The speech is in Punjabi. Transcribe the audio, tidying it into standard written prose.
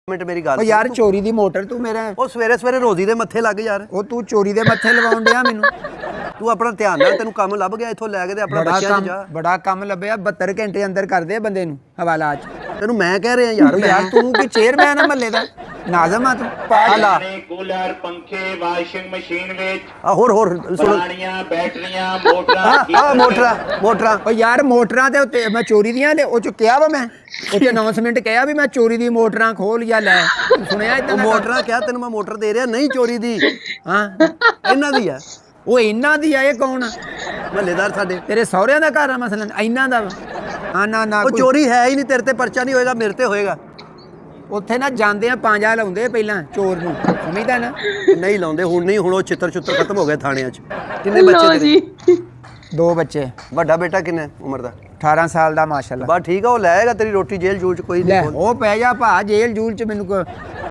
ਮਿੰਟ ਮੇਰੀ ਗੱਲ ਓ ਯਾਰ ਚੋਰੀ ਦੀ ਮੋਟਰ ਤੂੰ ਮੇਰਾ ਉਹ ਸਵੇਰੇ ਸਵੇਰੇ ਰੋਜ਼ੀ ਦੇ ਮੱਥੇ ਲੱਗ ਯਾਰ। ਉਹ ਤੂੰ ਚੋਰੀ ਦੇ ਮੱਥੇ ਲਵਾਉਣ ਡਿਆ ਮੈਨੂੰ। ਤੂੰ ਆਪਣਾ ਧਿਆਨ ਨਾਲ, ਤੈਨੂੰ ਕੰਮ ਲੱਭ ਗਿਆ ਇੱਥੋਂ ਲੈ ਕੇ ਤੇ ਆਪਣਾ ਬੱਚਿਆਂ 'ਚ ਜਾ। ਬੜਾ ਕੰਮ ਲੱਭਿਆ 72 ਘੰਟੇ ਅੰਦਰ ਕਰਦੇ ਆ ਬੰਦੇ ਨੂੰ ਹਵਾਲਾ 'ਚ। ਤੈਨੂੰ ਮੈਂ ਕਹਿ ਰਿਹਾ ਯਾਰ। ਯਾਰ ਤੂੰ ਕੀ ਚੇਅਰਮੈਨ ਆ ਮਹੱਲੇ ਦਾ? ਨਾਜ਼ਮ ਆ ਤੂੰ। ਹਾਲਾ ਕੂਲਰ ਪੰਖੇ ਵਾਸ਼ਿੰਗ ਮਸ਼ੀਨ ਵਿੱਚ ਹੋਰ ਸੁਣ ਪੁਰਾਣੀਆਂ ਬੈਟਰੀਆਂ ਮੋਟਰਾਂ ਆ ਮੋਟਰਾਂ ਓ ਯਾਰ ਮੋਟਰਾਂ ਦੇ ਉੱਤੇ ਮੈਂ ਚੋਰੀ ਦੀਆਂ ਉਹ ਚ ਕਿਹਾ ਵਾ ਮੈਂ ਉੱਥੇ ਅਨਾਉਂਸਮੈਂਟ ਕਿਹਾ ਵੀ ਮੈਂ ਚੋਰੀ ਦੀ ਮੋਟਰਾਂ ਖੋਲ ਜਾਂ ਲੈ। ਸੁਣਿਆ ਉਹ ਮੋਟਰਾਂ ਕਿਹਾ ਤੈਨੂੰ ਮੈਂ ਮੋਟਰ ਦੇ ਰਿਹਾ ਨਹੀਂ ਚੋਰੀ ਦੀ। ਹਾਂ ਇਹਨਾਂ ਦੀ ਆ। ਉਹ ਇਹਨਾਂ ਦੀ ਆ। ਇਹ ਕੌਣ ਆ? ਮਹੱਲੇਦਾਰ ਸਾਡੇ। ਤੇਰੇ ਸਹੁਰਿਆਂ ਦਾ ਘਰ ਆ ਮਸਲਨ? ਇਹਨਾਂ ਦਾ ਵਾ? ਹਾਂ ਨਾ ਉਹ ਚੋਰੀ ਹੈ ਹੀ ਨਹੀਂ। ਤੇਰੇ ਤੇ ਪਰਚਾ ਨਹੀਂ ਹੋਏਗਾ, ਮੇਰੇ ਤੇ ਹੋਏਗਾ। ਉੱਥੇ ਨਾ ਜਾਂਦੇ ਆ ਪੰਜਾ ਲਾਉਂਦੇ ਪਹਿਲਾਂ ਚੋਰ ਨੂੰ, ਸਮਝਦਾ ਨਾ? ਨਹੀਂ ਲਾਉਂਦੇ ਹੁਣ ਨਹੀਂ। ਹੁਣ ਉਹ ਚਿੱਤਰ ਖਤਮ ਹੋ ਗਏ ਥਾਣਿਆਂ 'ਚ। ਕਿੰਨੇ ਬੱਚੇ ਤੇਰੇ? 2 ਬੱਚੇ। ਵੱਡਾ ਬੇਟਾ ਕਿੰਨੇ ਉਮਰ ਦਾ? 18 ਸਾਲ ਦਾ ਮਾਸ਼ਾਅੱਲਾ। ਬਸ ਠੀਕ ਆ, ਉਹ ਲੈ ਆਏਗਾ ਤੇਰੀ ਰੋਟੀ ਜੇਲ੍ਹ ਜੂਲ 'ਚ ਕੋਈ ਲੈ ਨਹੀਂ। ਉਹ ਪੈ ਜਾ ਭਾ ਜੇਲ੍ਹ ਜੂਲ ਚ ਮੈਨੂੰ